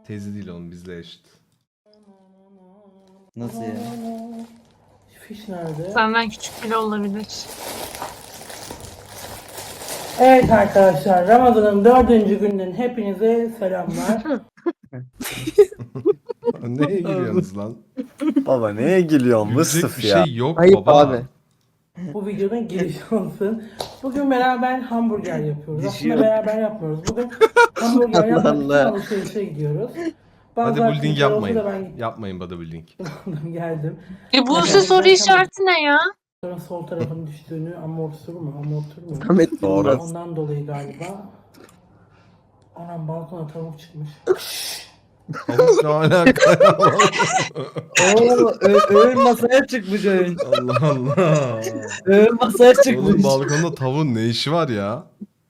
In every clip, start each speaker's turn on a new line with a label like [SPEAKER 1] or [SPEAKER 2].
[SPEAKER 1] Teyze değil oğlum, bizle eşit.
[SPEAKER 2] Nasıl ya?
[SPEAKER 3] Fiş nerede?
[SPEAKER 4] Senden küçük bile olabilir.
[SPEAKER 3] Evet arkadaşlar, Ramazan'ın 4. gününün hepinize selamlar.
[SPEAKER 1] Neye gülüyorsunuz lan?
[SPEAKER 2] Baba neye gülüyorsun
[SPEAKER 1] Gülecek
[SPEAKER 2] Mıstıf
[SPEAKER 1] bir
[SPEAKER 2] ya?
[SPEAKER 1] şey yok
[SPEAKER 5] Ayıp
[SPEAKER 1] baba.
[SPEAKER 5] abi.
[SPEAKER 3] Bu videonun girişi olsun. Bugün beraber hamburger yapıyoruz. Aslında
[SPEAKER 2] Düşüyor.
[SPEAKER 3] beraber yapmıyoruz. Bugün hamburger
[SPEAKER 2] Allah
[SPEAKER 3] yapmak için
[SPEAKER 2] Allah.
[SPEAKER 3] alışverişe gidiyoruz. Bazı
[SPEAKER 1] Bodybuilding
[SPEAKER 3] arkadaşlar olsa
[SPEAKER 1] yapmayın.
[SPEAKER 3] da ben
[SPEAKER 1] Yapmayın bodybuilding.
[SPEAKER 3] gittim, geldim.
[SPEAKER 4] Buse soru işareti ne ya?
[SPEAKER 3] Sonra sol tarafın düştüğünü amortisör mü? Amortör mü?
[SPEAKER 5] Ahmet
[SPEAKER 2] Doğru.
[SPEAKER 5] Yılmaz.
[SPEAKER 3] Ondan dolayı galiba. Anam balkona tavuk çıkmış.
[SPEAKER 1] Tavuk ne alaka ya?
[SPEAKER 2] Oo, öğün masaya çıkmış öğün.
[SPEAKER 1] Allah Allah.
[SPEAKER 2] Öğün masaya
[SPEAKER 1] Oğlum
[SPEAKER 2] çıkmış.
[SPEAKER 1] balkonda tavuğun ne işi var ya?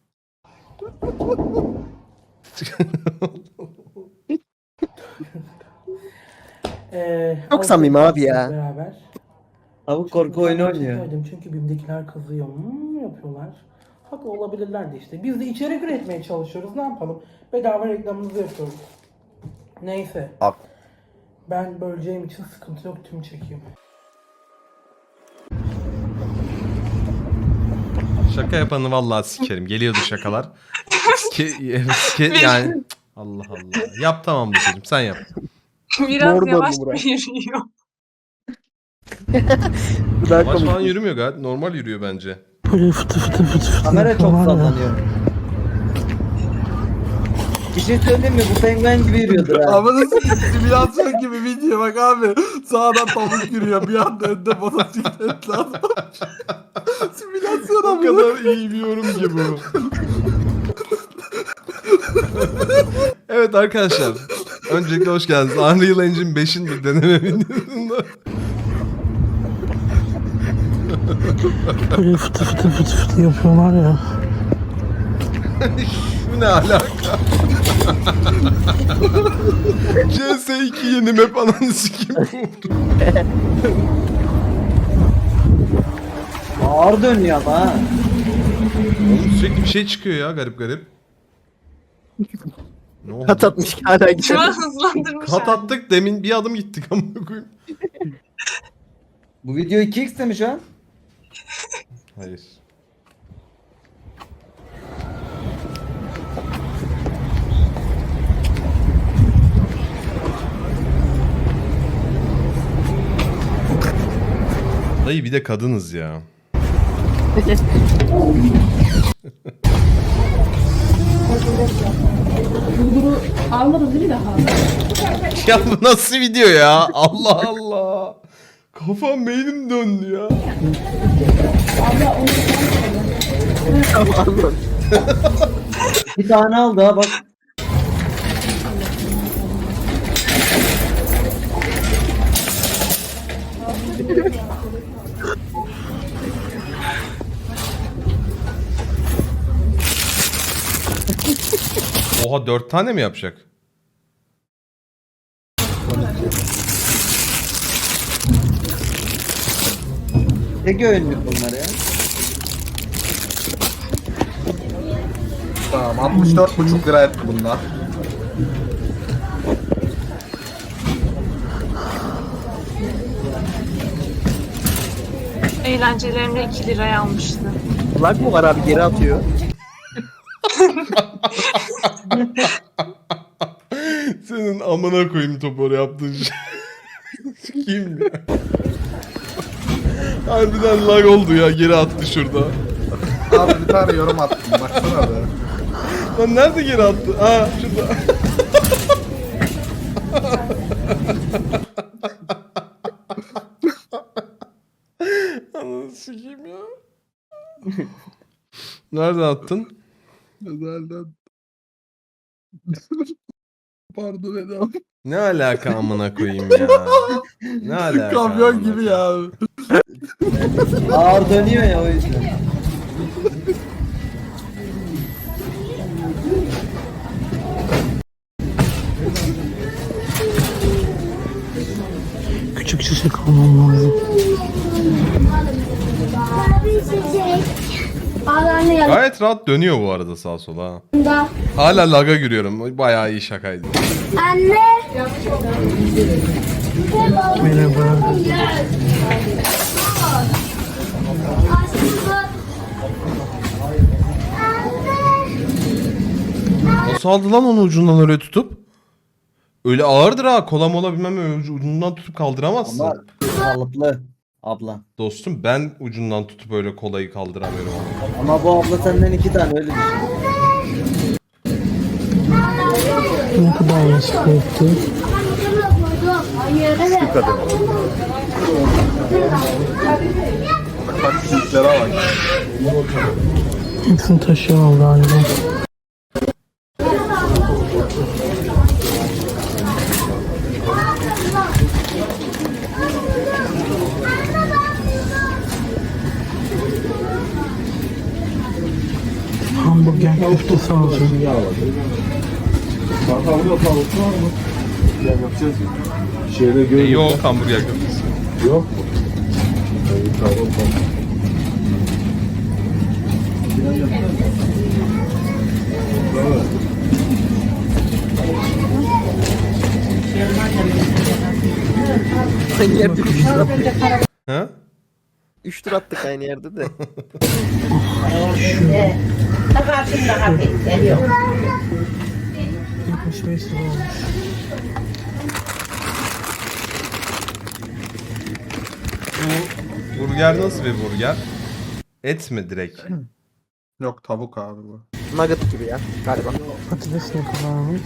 [SPEAKER 5] Çok samimi abi ya.
[SPEAKER 3] Beraber.
[SPEAKER 2] Tavuk korku oyunu oynuyor.
[SPEAKER 3] Söyledim çünkü BİM'dekiler kızıyor. Yapıyorlar. Haklı olabilirler de işte. Biz de içerik üretmeye çalışıyoruz. Ne yapalım? Bedava reklamımızı yapıyoruz. Neyse.
[SPEAKER 2] Hak.
[SPEAKER 3] Ben böleceğim için sıkıntı yok. Tüm çekeyim.
[SPEAKER 1] Şaka yapanı vallahi sikerim. Geliyordu şakalar. Yani Allah Allah. Yap tamam Buse'cim, sen yap.
[SPEAKER 4] Biraz
[SPEAKER 5] Doğru
[SPEAKER 4] yavaş
[SPEAKER 5] döndü buraya.
[SPEAKER 4] yürüyor.
[SPEAKER 5] Bu daha
[SPEAKER 1] Yavaş falan
[SPEAKER 5] komik.
[SPEAKER 1] yürümüyor gayet. Normal yürüyor bence.
[SPEAKER 3] Böyle fıtı fıtı fıtı fıtı
[SPEAKER 2] Kamera çok
[SPEAKER 3] yapıyorlar ya.
[SPEAKER 2] sallanıyor. Bir şey söyleyeyim mi? Bu penguen gibi yürüyordur ha.
[SPEAKER 6] Ama nasıl simülasyon gibi video bak abi. Sağdan tavuk yürüyor bir anda önde motosiklet lazım. Simülasyon
[SPEAKER 1] O
[SPEAKER 6] ama.
[SPEAKER 1] kadar iyi bir yorum ki bu. Evet arkadaşlar. Öncelikle hoş geldiniz. Unreal Engine 5'in bir deneme videosunda.
[SPEAKER 3] Böyle fıtı fıtı fıtı fıtı yapıyorlar ya.
[SPEAKER 1] Bu ne alaka? CS2 yeni map ananı sikeyim.
[SPEAKER 2] Ağır dönüyor ama ha.
[SPEAKER 1] Oğlum sürekli bir şey çıkıyor ya, garip garip. Ne oldu?
[SPEAKER 5] Kat atmış hala
[SPEAKER 4] Şu
[SPEAKER 5] gidiyor.
[SPEAKER 4] an hızlandırmış.
[SPEAKER 1] Kat
[SPEAKER 4] yani.
[SPEAKER 1] attık, demin bir adım gittik amına koyayım.
[SPEAKER 2] Bu video 2x mi şu an?
[SPEAKER 1] Hayır. Dayı bir de kadınız ya. Ya bu nasıl video ya? Allah Allah. Kafam beynim döndü ya.
[SPEAKER 2] Bir tane aldı ha bak.
[SPEAKER 1] Oha, 4 tane mi yapacak?
[SPEAKER 2] Tek öğünlük bunlar ya.
[SPEAKER 6] Tamam 64,5 lira etti bunlar.
[SPEAKER 4] Eğlencelerimde 2 liraya almıştı.
[SPEAKER 5] Lag mı var abi, geri atıyor.
[SPEAKER 1] Senin amına koyayım topu yaptığın şey. Sikeyim ya. Harbiden lag oldu ya, geri attı şurada.
[SPEAKER 6] Abi bir tane yorum attım baksana be.
[SPEAKER 1] Lan nerede geri attı? Aa şurada. Ananı sikeyim ya. Nereden attın?
[SPEAKER 6] Özelden. Pardon Edam.
[SPEAKER 1] Ne alaka amına koyayım ya? Ne alaka?
[SPEAKER 6] Kamyon
[SPEAKER 1] amına
[SPEAKER 6] gibi
[SPEAKER 1] koyayım?
[SPEAKER 6] ya.
[SPEAKER 2] Ağır dönüyor ya o yüzden.
[SPEAKER 3] Küçük çiçek almam lazım.
[SPEAKER 7] Ağlarını
[SPEAKER 1] Gayet rahat dönüyor bu arada sağa sola. ha.
[SPEAKER 7] yanında.
[SPEAKER 1] Hala laga giriyorum. Bayağı iyi şakaydı.
[SPEAKER 7] Anne.
[SPEAKER 3] Merhaba.
[SPEAKER 1] Nasıl aldı lan onu ucundan öyle tutup? Öyle ağırdır ha. Kola mola bilmem öyle ucundan tutup kaldıramazsın.
[SPEAKER 2] Ama kalıplı abla.
[SPEAKER 1] Dostum ben ucundan tutup öyle kolayı kaldıramıyorum.
[SPEAKER 2] Ama bu abla senden 2 tane öyle düşün.
[SPEAKER 3] Ne kadar yaşlı etti?
[SPEAKER 7] Hayır. Evet.
[SPEAKER 6] Bak büyüklere bak.
[SPEAKER 3] Hepsini taşıyor galiba. Hamburger köftesi alacağım.
[SPEAKER 1] Yok hamburger köftesi.
[SPEAKER 5] Aynı yerde 3 tur attık.
[SPEAKER 1] Ha?
[SPEAKER 5] 3 tur attık aynı yerde de.
[SPEAKER 3] 75 lira olmuş.
[SPEAKER 1] Bu burger nasıl bir burger? Et mi direkt?
[SPEAKER 6] Yok tavuk abi bu.
[SPEAKER 5] Nugget gibi ya galiba.
[SPEAKER 3] Patates ne kadarmış?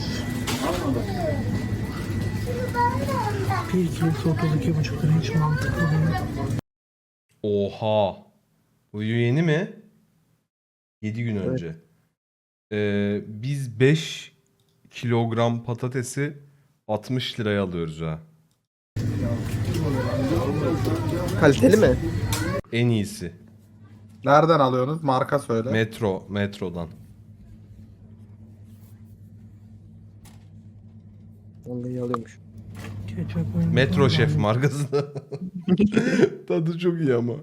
[SPEAKER 3] 1 kilosu 32,5 lira, hiç mantıklı değil.
[SPEAKER 1] Oha. Bu yeni mi? 7 gün önce. Biz 5 kilogram patatesi 60 liraya alıyoruz ha.
[SPEAKER 5] Kaliteli mi?
[SPEAKER 1] En iyisi.
[SPEAKER 6] Nereden alıyorsunuz? Marka söyle.
[SPEAKER 1] Metrodan.
[SPEAKER 5] Onu iyi alıyormuş.
[SPEAKER 3] Ketçap oyunu
[SPEAKER 1] Metro
[SPEAKER 3] var.
[SPEAKER 1] Şef markası da. Tadı çok iyi ama.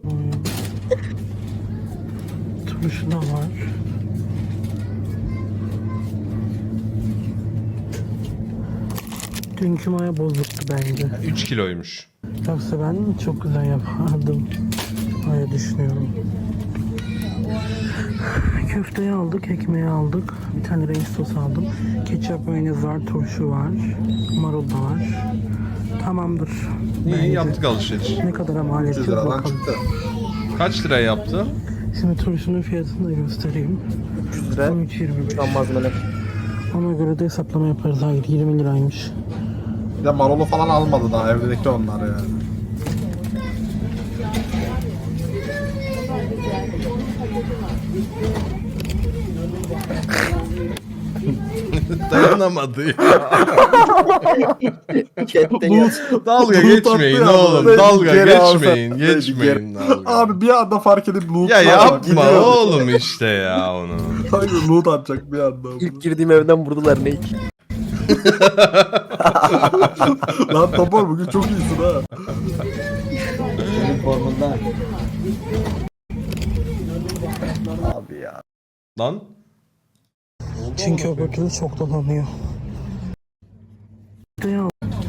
[SPEAKER 3] Turşu da var. Dünkü maya bozuktu bence.
[SPEAKER 1] 3 kiloymuş.
[SPEAKER 3] Yoksa ben çok güzel yapardım. Öyle düşünüyorum. Köfteyi aldık, ekmeği aldık. Bir tane renk sos aldım. Ketçap, mayonez var, turşu var. Marul da var. Tamamdır.
[SPEAKER 1] İyi yaptık alışveriş.
[SPEAKER 3] Ne kadar mal
[SPEAKER 6] 300
[SPEAKER 3] edeceğiz
[SPEAKER 6] liradan
[SPEAKER 3] bakalım.
[SPEAKER 6] çıktı.
[SPEAKER 1] Kaç liraya yaptı?
[SPEAKER 3] Şimdi turşunun fiyatını da göstereyim.
[SPEAKER 5] 300 lira.
[SPEAKER 3] 13.25.
[SPEAKER 5] Tam malzemeler.
[SPEAKER 3] Ona göre de hesaplama yaparız. Hayır, 20 liraymış.
[SPEAKER 6] Bir de marulu falan almadı daha evdeki onlar yani.
[SPEAKER 1] Dayanamadı ya.
[SPEAKER 5] Chatten yaz.
[SPEAKER 1] Dalga
[SPEAKER 6] Loot
[SPEAKER 1] geçmeyin
[SPEAKER 6] attı ya,
[SPEAKER 1] oğlum.
[SPEAKER 6] böyle
[SPEAKER 1] Dalga
[SPEAKER 6] geri alsa-
[SPEAKER 1] geçmeyin. Geçmeyin dalga.
[SPEAKER 6] Abi bir anda fark edip loot
[SPEAKER 1] Ya
[SPEAKER 6] atacak,
[SPEAKER 1] yapma
[SPEAKER 6] gidiyor.
[SPEAKER 1] oğlum işte ya onu.
[SPEAKER 6] Hayır loot atacak bir anda.
[SPEAKER 5] İlk girdiğim evden vurdular ne?
[SPEAKER 6] Lan Topor bugün çok iyisin ha.
[SPEAKER 2] Senin formunda. Abi ya.
[SPEAKER 1] Lan
[SPEAKER 3] Çünkü öbür türlü çok dolanıyor. Ya.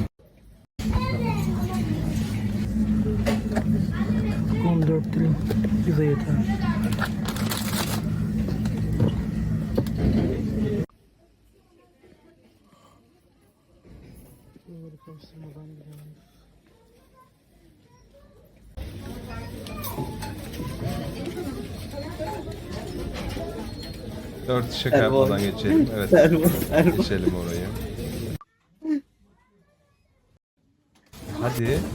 [SPEAKER 3] 14 dilim bize yeter. Bunları karıştırmadan gidelim.
[SPEAKER 1] dört şaka
[SPEAKER 2] Servo.
[SPEAKER 1] yapmadan geçelim. Evet
[SPEAKER 2] Servo, servo.
[SPEAKER 1] geçelim orayı. Hadi.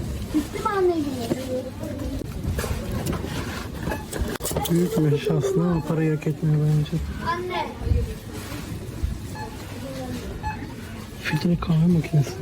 [SPEAKER 3] Büyükmüş aslında ama parayı hak etmiyor bence.
[SPEAKER 7] Anne.
[SPEAKER 3] Filtre kahve makinesi.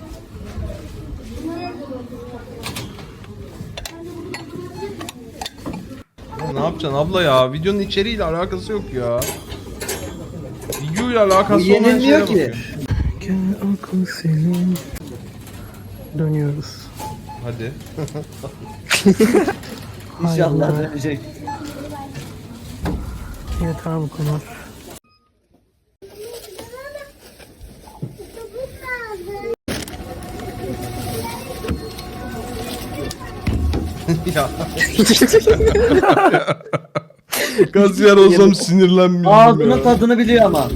[SPEAKER 1] Ya ne yapacaksın abla ya? Videonun içeriğiyle alakası yok ya. Videoyla alakası
[SPEAKER 2] Bu
[SPEAKER 1] olmayan şeylere
[SPEAKER 2] yenilmiyor ki.
[SPEAKER 1] bakıyor.
[SPEAKER 3] Gel akıl senin. Dönüyoruz.
[SPEAKER 1] Hadi.
[SPEAKER 2] İnşallah
[SPEAKER 3] Hayır.
[SPEAKER 2] dönecek.
[SPEAKER 3] Yeter bu kadar.
[SPEAKER 1] Ya. Kasiyer olsam sinirlenmeyeyim
[SPEAKER 2] Ağzının
[SPEAKER 1] ya.
[SPEAKER 2] tadını biliyor ama.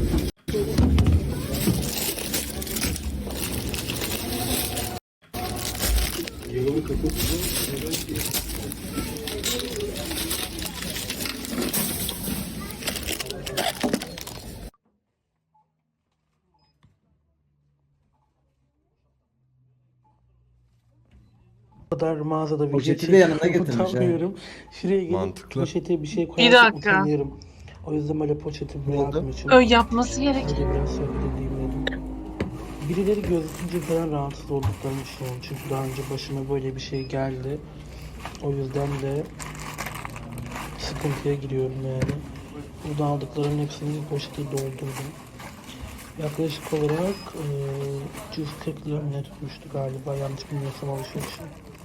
[SPEAKER 3] Bu kadar mağazada video
[SPEAKER 2] Poşeti de yanına
[SPEAKER 3] çekiyorum,
[SPEAKER 2] getirmiş ha.
[SPEAKER 3] utanmıyorum. Şuraya gelip
[SPEAKER 1] Mantıklı.
[SPEAKER 3] poşete bir şey
[SPEAKER 4] Bir
[SPEAKER 3] koyarsam
[SPEAKER 4] dakika.
[SPEAKER 3] utanıyorum. O yüzden böyle poşeti bırakmak için.
[SPEAKER 4] Öyle yapması gerek.
[SPEAKER 3] Öyle biraz sohbet edeyim dedim. Birileri gözükünce falan rahatsız olduklarını düşünüyorum. Çünkü daha önce başıma böyle bir şey geldi. O yüzden de sıkıntıya giriyorum yani. Burada aldıklarımın hepsini bir poşete doldurdum. Yaklaşık olarak 340 lira mı ne tutmuştu galiba, yanlış bilmiyorsam alışverişim.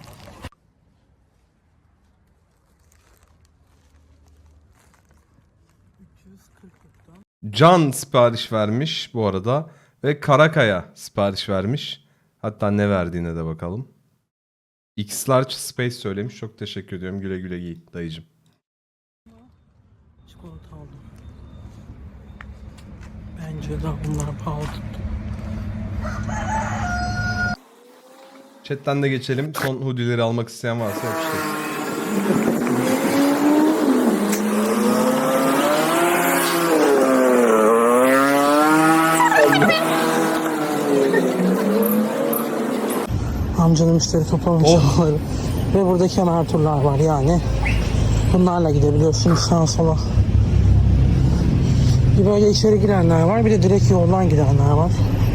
[SPEAKER 1] Can sipariş vermiş bu arada. Ve Karakaya sipariş vermiş. Hatta ne verdiğine de bakalım. X Large Space söylemiş. Çok teşekkür ediyorum. Güle güle giy dayıcım.
[SPEAKER 3] Çikolata aldım. Bence de bunlar pahalı tuttu.
[SPEAKER 1] Chat'ten de geçelim. Son hoodie'leri almak isteyen varsa yapıştırın.
[SPEAKER 3] Amcanın müşteri toplama çabaları. Ve burada kemer turlar var yani. Bunlarla gidebiliyorsunuz sağa sola. Bir böyle içeri girenler var, bir de direkt yoldan gidenler var.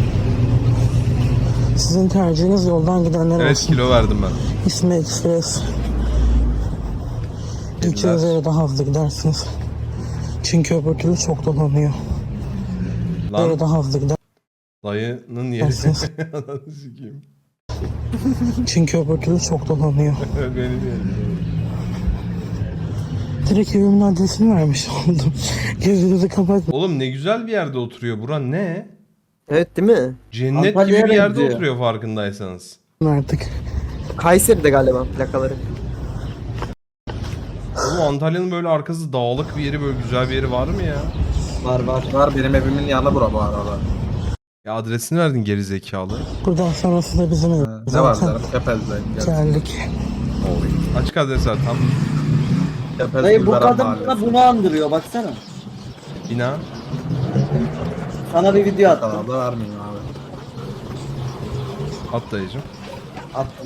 [SPEAKER 3] Sizin tercihiniz yoldan gidenler
[SPEAKER 1] Evet,
[SPEAKER 3] olsun.
[SPEAKER 1] kilo verdim ben.
[SPEAKER 3] İsmi Express. Gideceğiniz yere daha hızlı gidersiniz. Çünkü öbür türlü çok dolanıyor.
[SPEAKER 1] Lan
[SPEAKER 3] Böyle daha hızlı
[SPEAKER 1] dayının yeri.
[SPEAKER 3] gidersiniz.
[SPEAKER 1] Ananı sikeyim.
[SPEAKER 3] Çünkü öbür türlü çok dolanıyor.
[SPEAKER 1] Benim yerim.
[SPEAKER 3] Direkt evimin adresini vermiş oldum. Gözünüzü kapat.
[SPEAKER 1] Oğlum ne güzel bir yerde oturuyor. Bura ne?
[SPEAKER 5] Evet değil mi?
[SPEAKER 1] Cennet
[SPEAKER 2] Antalya'ya
[SPEAKER 1] gibi bir yerde
[SPEAKER 2] benziyor.
[SPEAKER 1] oturuyor farkındaysanız.
[SPEAKER 3] Artık.
[SPEAKER 5] Kayseri'de galiba plakaları.
[SPEAKER 1] Oğlum Antalya'nın böyle arkası dağlık bir yeri, böyle güzel bir yeri var mı ya?
[SPEAKER 2] Var var.
[SPEAKER 6] Var benim evimin yanı bura bu arada.
[SPEAKER 1] Ya adresini verdin geri zekalı.
[SPEAKER 3] Buradan sonrası da bizim ev.
[SPEAKER 6] Ne var
[SPEAKER 3] Zaten
[SPEAKER 6] derim? Kepez'deyim.
[SPEAKER 3] geldik.
[SPEAKER 1] Açık adres ver tam.
[SPEAKER 6] Kepez
[SPEAKER 2] Dayı bu
[SPEAKER 6] Gülveren
[SPEAKER 2] kadın
[SPEAKER 6] Mahallesi.
[SPEAKER 2] bana bunu andırıyor baksana.
[SPEAKER 1] Bina.
[SPEAKER 2] Sana bir video attım.
[SPEAKER 6] Kanalda vermeyeyim abi.
[SPEAKER 1] At dayıcım.
[SPEAKER 2] Attım.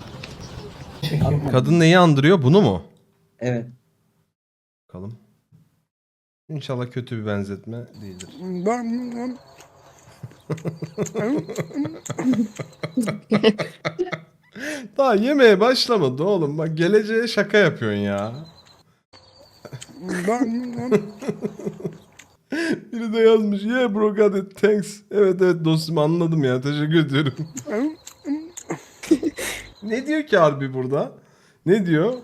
[SPEAKER 1] Kadın neyi andırıyor? Bunu mu?
[SPEAKER 2] Evet.
[SPEAKER 1] Bakalım. İnşallah kötü bir benzetme değildir. Daha yemeğe başlamadı oğlum. Bak geleceğe şaka yapıyorsun ya. Biri de yazmış. Yeah bro got it. Thanks. Evet evet dostum anladım ya. Teşekkür ediyorum. Ne diyor ki harbi burada? Ne diyor?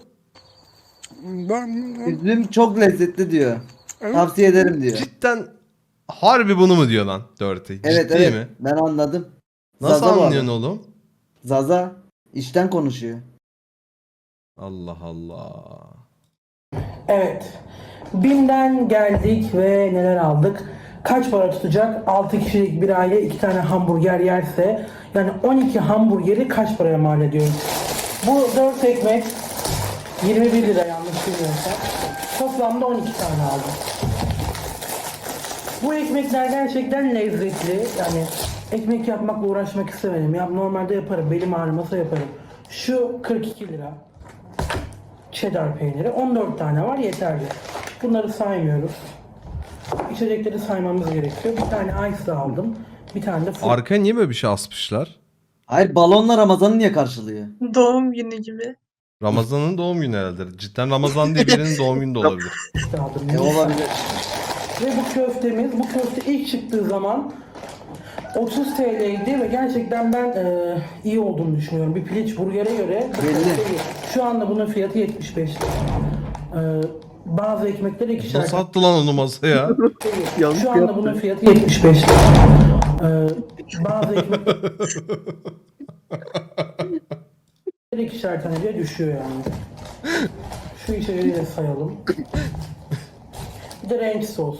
[SPEAKER 2] Üzüm çok lezzetli diyor. Tavsiye ederim diyor.
[SPEAKER 1] Cidden harbi bunu mu diyor lan Dirty?
[SPEAKER 2] Evet
[SPEAKER 1] Ciddi
[SPEAKER 2] evet.
[SPEAKER 1] mi?
[SPEAKER 2] Ben anladım.
[SPEAKER 1] Nasıl
[SPEAKER 2] Zaza bu
[SPEAKER 1] anlıyorsun
[SPEAKER 2] adam.
[SPEAKER 1] oğlum?
[SPEAKER 2] Zaza işten konuşuyor.
[SPEAKER 1] Allah Allah.
[SPEAKER 3] Evet. BİM'den geldik ve neler aldık? Kaç para tutacak? 6 kişilik bir aile 2 tane hamburger yerse yani 12 hamburgeri kaç paraya mal ediyoruz? Bu 4 ekmek 21 lira yanlış bilmiyorsam. Toplamda 12 tane aldım. Bu ekmekler gerçekten lezzetli. Yani ekmek yapmakla uğraşmak istemedim. Ya normalde yaparım. Belim ağrımasa yaparım. Şu 42 lira. Cheddar peyniri. 14 tane var yeterli. Bunları saymıyoruz. İçecekleri saymamız gerekiyor. Bir tane ice aldım. Bir tane de fruit.
[SPEAKER 1] Arkaya niye böyle bir şey asmışlar?
[SPEAKER 2] Hayır balonla Ramazan'ı niye karşılıyor?
[SPEAKER 4] Doğum günü gibi.
[SPEAKER 1] Ramazan'ın doğum günü herhalde. Cidden Ramazan diye birinin doğum günü de olabilir.
[SPEAKER 3] aldım.
[SPEAKER 2] Olabilir.
[SPEAKER 3] Ve bu köftemiz, bu köfte ilk çıktığı zaman 30 TL'ydi ve gerçekten ben iyi olduğunu düşünüyorum. Bir piliç burgere göre bu
[SPEAKER 2] Belli.
[SPEAKER 3] köfte iyi. Şu anda bunun fiyatı 75 lira. Bazı ekmekleri ikişer
[SPEAKER 1] Nasıl attı lan onu masaya?
[SPEAKER 5] Yanlış
[SPEAKER 3] Şu anda
[SPEAKER 5] yaptı.
[SPEAKER 3] bunun fiyatı 75 lira. Bazı ekmekleri ikişer tane diye düşüyor yani. Şu içeriği de sayalım. Bir de ranch sos.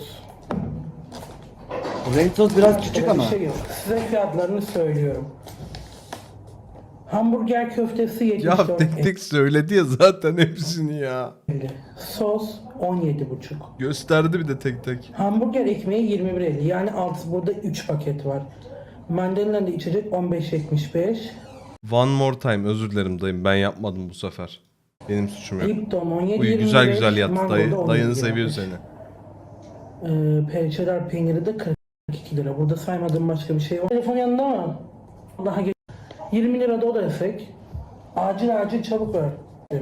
[SPEAKER 2] Ranch sos biraz küçük
[SPEAKER 3] Öyle
[SPEAKER 2] ama.
[SPEAKER 3] bir şey yok. Size fiyatlarını söylüyorum. Hamburger köftesi
[SPEAKER 1] Ya
[SPEAKER 3] 74
[SPEAKER 1] tek tek söyledi ya zaten hepsini ya.
[SPEAKER 3] Sos 17,5.
[SPEAKER 1] Gösterdi bir de tek tek.
[SPEAKER 3] Hamburger ekmeği 21,50. Yani burada 3 paket var. Mandalina içecek 15,75.
[SPEAKER 1] One more time, özür dilerim dayım, ben yapmadım bu sefer. Benim suçum yok.
[SPEAKER 3] Lipton 17,25.
[SPEAKER 1] Uyu güzel güzel yattı
[SPEAKER 3] Mango
[SPEAKER 1] dayı.
[SPEAKER 3] da
[SPEAKER 1] Dayını
[SPEAKER 3] 17,25.
[SPEAKER 1] seviyor seni.
[SPEAKER 3] Cheddar peyniri de 42 lira. Burada saymadığım başka bir şey var. Telefon yanında mı? Daha 20 lira da o da desek. Acil çabuk ver.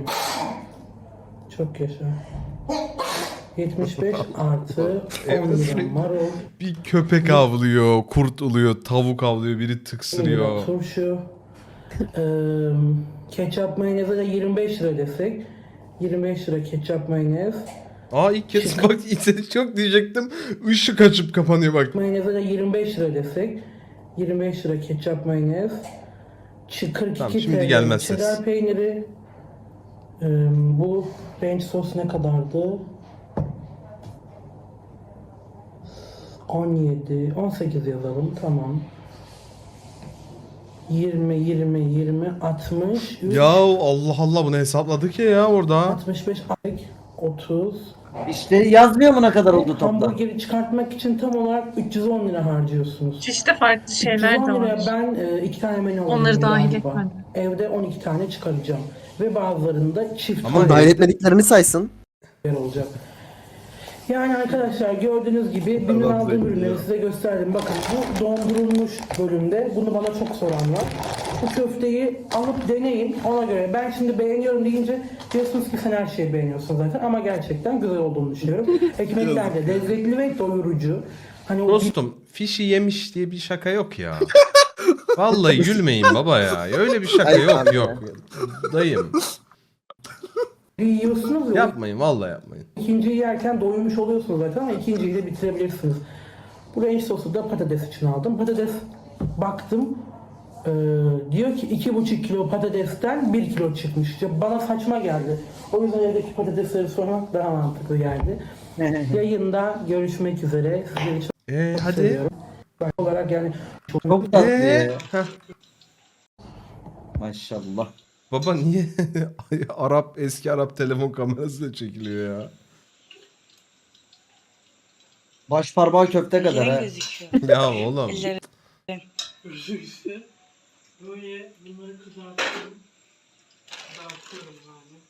[SPEAKER 3] Çok yaşa. 75 artı 10
[SPEAKER 1] Evde
[SPEAKER 3] lira
[SPEAKER 1] sürekli
[SPEAKER 3] marul.
[SPEAKER 1] bir köpek avlıyor, kurt uluyor, tavuk avlıyor, biri
[SPEAKER 3] 10 lira
[SPEAKER 1] tıksırıyor.
[SPEAKER 3] turşu. Ketçap mayoneze de 25 lira desek. 25 lira ketçap mayonez.
[SPEAKER 1] Aa ilk kez bak seni çok diyecektim. Işık açıp kapanıyor bak.
[SPEAKER 3] Mayoneze de 25 lira desek. 25 lira ketçap mayonez. 42
[SPEAKER 1] Tamam, şimdi
[SPEAKER 3] TL
[SPEAKER 1] gelmez ses.
[SPEAKER 3] cheddar peyniri. Bu ranch sos ne kadardı? 17, 18 yazalım. Tamam. 20, 60,
[SPEAKER 1] Ya Allah Allah, bunu hesapladık ya orada.
[SPEAKER 3] 65, 30.
[SPEAKER 2] İşte yazmıyor mu ne kadar oldu toplam?
[SPEAKER 3] Hamburgeri çıkartmak için tam olarak 310 lira harcıyorsunuz.
[SPEAKER 4] Çeşitli farklı şeyler
[SPEAKER 3] 310
[SPEAKER 4] de
[SPEAKER 3] liraya
[SPEAKER 4] var.
[SPEAKER 3] ben 2 tane menü alıyorum
[SPEAKER 4] Onları dahil
[SPEAKER 3] galiba.
[SPEAKER 4] etmedim.
[SPEAKER 3] Evde 12 tane çıkaracağım. Ve bazılarında çift
[SPEAKER 1] Ama
[SPEAKER 5] Ama dahil etmediklerini saysın.
[SPEAKER 3] yer olacak. Yani arkadaşlar gördüğünüz gibi benim
[SPEAKER 1] Allah
[SPEAKER 3] aldığım
[SPEAKER 1] zengin
[SPEAKER 3] ürünleri
[SPEAKER 1] ya.
[SPEAKER 3] size gösterdim. Bakın bu dondurulmuş bölümde. Bunu bana çok soran var. Bu köfteyi alıp deneyin. Ona göre ben şimdi beğeniyorum deyince diyorsunuz ki sen her şeyi beğeniyorsun zaten. Ama gerçekten güzel olduğunu düşünüyorum. Ekmekler de lezzetli ve doyurucu. Hani o
[SPEAKER 1] Dostum, fişi yemiş diye bir şaka yok ya. Vallahi gülmeyin baba ya. Öyle bir şaka
[SPEAKER 5] Ay,
[SPEAKER 1] yok
[SPEAKER 5] abi
[SPEAKER 1] yok. Dayım
[SPEAKER 3] yiyorsunuz ya.
[SPEAKER 1] yapmayın, vallahi yapmayın.
[SPEAKER 3] İkinciyi yerken doymuş oluyorsunuz zaten ama ikinciyi de bitirebilirsiniz. Bu ranch sosu da patates için aldım. Patates baktım diyor ki 2,5 kilo patatesten 1 kilo çıkmış. Ya bana saçma geldi. O yüzden evdeki patatesleri sormak daha mantıklı geldi. Yayında görüşmek üzere. Sizleri çok
[SPEAKER 1] Hadi.
[SPEAKER 3] seviyorum. Ben olarak yani
[SPEAKER 2] Çok tatlı ya.
[SPEAKER 1] Heh.
[SPEAKER 2] Maşallah.
[SPEAKER 1] Baba niye eski Arap telefon kamerasıyla çekiliyor ya?
[SPEAKER 2] Baş parmağı köfte kadar ha.
[SPEAKER 7] gözüküyor.
[SPEAKER 1] Ya oğlum.
[SPEAKER 7] Elleri.
[SPEAKER 3] böyle bunları kızartıyorum. Dağıtıyorum yani.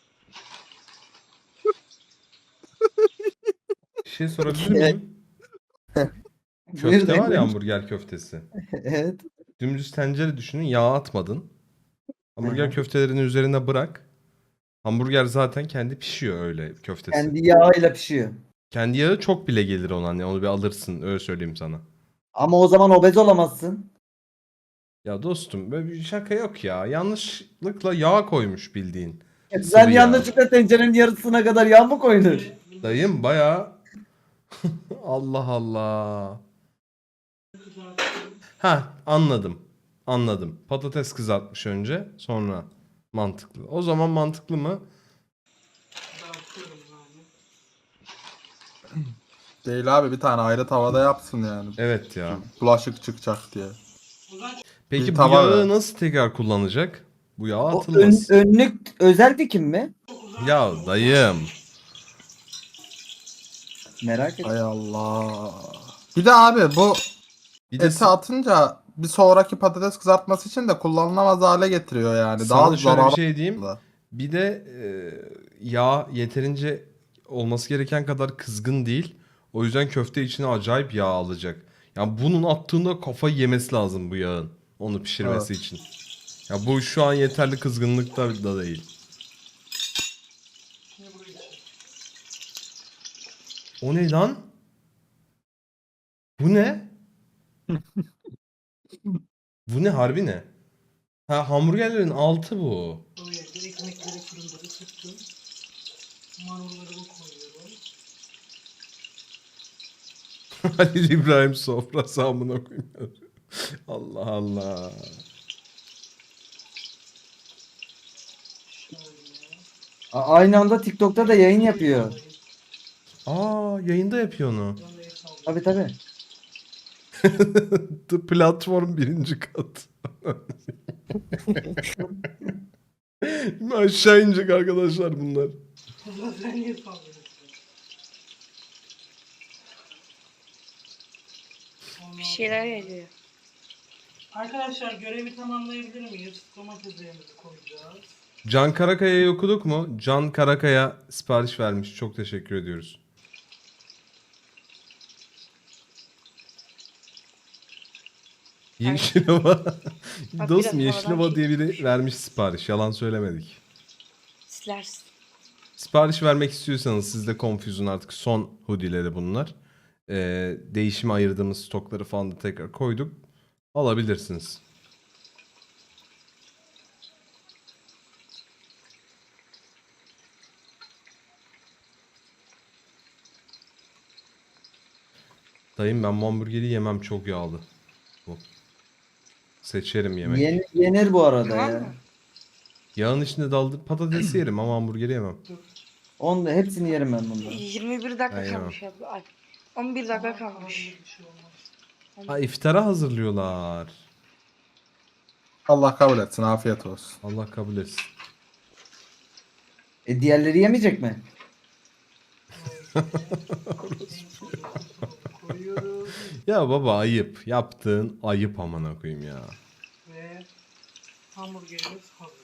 [SPEAKER 1] Bir şey sorabilir miyim?
[SPEAKER 2] Buyur
[SPEAKER 1] Köfte var
[SPEAKER 2] dayı.
[SPEAKER 1] ya, hamburger köftesi.
[SPEAKER 2] Evet.
[SPEAKER 1] Dümdüz tencere düşünün, yağ atmadın. Hamburger
[SPEAKER 2] Hı hı.
[SPEAKER 1] köftelerini üzerine bırak. Hamburger zaten kendi pişiyor öyle köftesi.
[SPEAKER 2] Kendi yağıyla pişiyor.
[SPEAKER 1] Kendi yağı çok bile gelir ona, hani onu bir alırsın, öyle söyleyeyim sana.
[SPEAKER 2] Ama o zaman obez olamazsın.
[SPEAKER 1] Ya dostum, böyle bir şaka yok ya. Yanlışlıkla yağ koymuş bildiğin.
[SPEAKER 2] Sen
[SPEAKER 1] Sıvı yağ.
[SPEAKER 2] yanlışlıkla tencerenin yarısına kadar yağ mı koydun?
[SPEAKER 1] Dayım bayağı Allah Allah. Ha, anladım. Anladım. Patates kızartmış önce, sonra mantıklı. O zaman mantıklı mı?
[SPEAKER 6] Değil abi, bir tane ayrı tavada yapsın yani.
[SPEAKER 1] Evet ya.
[SPEAKER 6] Bulaşık çıkacak diye.
[SPEAKER 1] Peki
[SPEAKER 6] Bir
[SPEAKER 1] bu
[SPEAKER 6] tava
[SPEAKER 1] yağı
[SPEAKER 6] ver.
[SPEAKER 1] nasıl tekrar kullanacak? Bu yağ
[SPEAKER 2] O
[SPEAKER 1] atılmaz.
[SPEAKER 2] önlük özel dikim mi?
[SPEAKER 1] Ya dayım.
[SPEAKER 2] Merak ettim.
[SPEAKER 6] Hay Allah. Bir de abi bu
[SPEAKER 1] Bir de
[SPEAKER 6] eti atınca bir sonraki patates kızartması için de kullanılamaz hale getiriyor yani.
[SPEAKER 1] sana
[SPEAKER 6] Daha
[SPEAKER 1] şöyle bir
[SPEAKER 6] zararlı.
[SPEAKER 1] şey diyeyim. Bir de yağ yeterince olması gereken kadar kızgın değil. O yüzden köfte içine acayip yağ alacak. Yani bunun attığında kafayı yemesi lazım bu yağın. Onu pişirmesi için. Ya bu şu an yeterli kızgınlıkta da değil. O ne lan? Bu ne? Bu ne, harbi ne? Ha, hamburgerlerin altı bu.
[SPEAKER 3] Ekmekleri fırında ısıttım. Marullarımı koyuyorum.
[SPEAKER 1] Halil İbrahim sofrası amına koyayım. Allah Allah.
[SPEAKER 2] Aynı anda TikTok'ta da yayın yapıyor.
[SPEAKER 1] Aa, yayında yapıyor onu.
[SPEAKER 2] Tabii tabii.
[SPEAKER 1] The platform 1. kat. Aşağı inecek arkadaşlar bunlar.
[SPEAKER 4] Bir şeyler geliyor.
[SPEAKER 3] Arkadaşlar görevi tamamlayabilir miyiz? Domateslerimizi koyacağız.
[SPEAKER 1] Can Karakaya'yı okuduk mu? Can Karakaya sipariş vermiş. Çok teşekkür ediyoruz. Yeşilova.
[SPEAKER 4] Bak,
[SPEAKER 1] Dostum
[SPEAKER 4] biraz
[SPEAKER 1] Yeşilova
[SPEAKER 4] havadan
[SPEAKER 1] diye biri vermiş sipariş. Yalan söylemedik.
[SPEAKER 4] Silersin.
[SPEAKER 1] Sipariş vermek istiyorsanız siz de Confuse'un artık son hoodie'leri bunlar. Değişime ayırdığımız stokları falan da tekrar koyduk. Alabilirsiniz. Dayım ben hamburgeri yemem, çok yağlı. Bu. Seçerim yemek.
[SPEAKER 2] Yenir bu arada
[SPEAKER 4] Tamam
[SPEAKER 2] ya.
[SPEAKER 4] mı?
[SPEAKER 1] Yağın içinde daldı patatesi yerim ama hamburgeri yemem.
[SPEAKER 2] Hepsini yerim ben bunları.
[SPEAKER 4] 21 dakika
[SPEAKER 1] Aynen.
[SPEAKER 4] kalmış abi. Ay, 11 dakika kalmış.
[SPEAKER 1] Ha, iftara hazırlıyorlar.
[SPEAKER 6] Allah kabul etsin. Afiyet olsun.
[SPEAKER 1] Allah kabul etsin.
[SPEAKER 2] Diğerleri yemeyecek mi?
[SPEAKER 3] Koyuyoruz
[SPEAKER 1] Ya baba ayıp. Yaptığın ayıp amına koyayım ya.
[SPEAKER 3] ve hamburgerimiz hazır.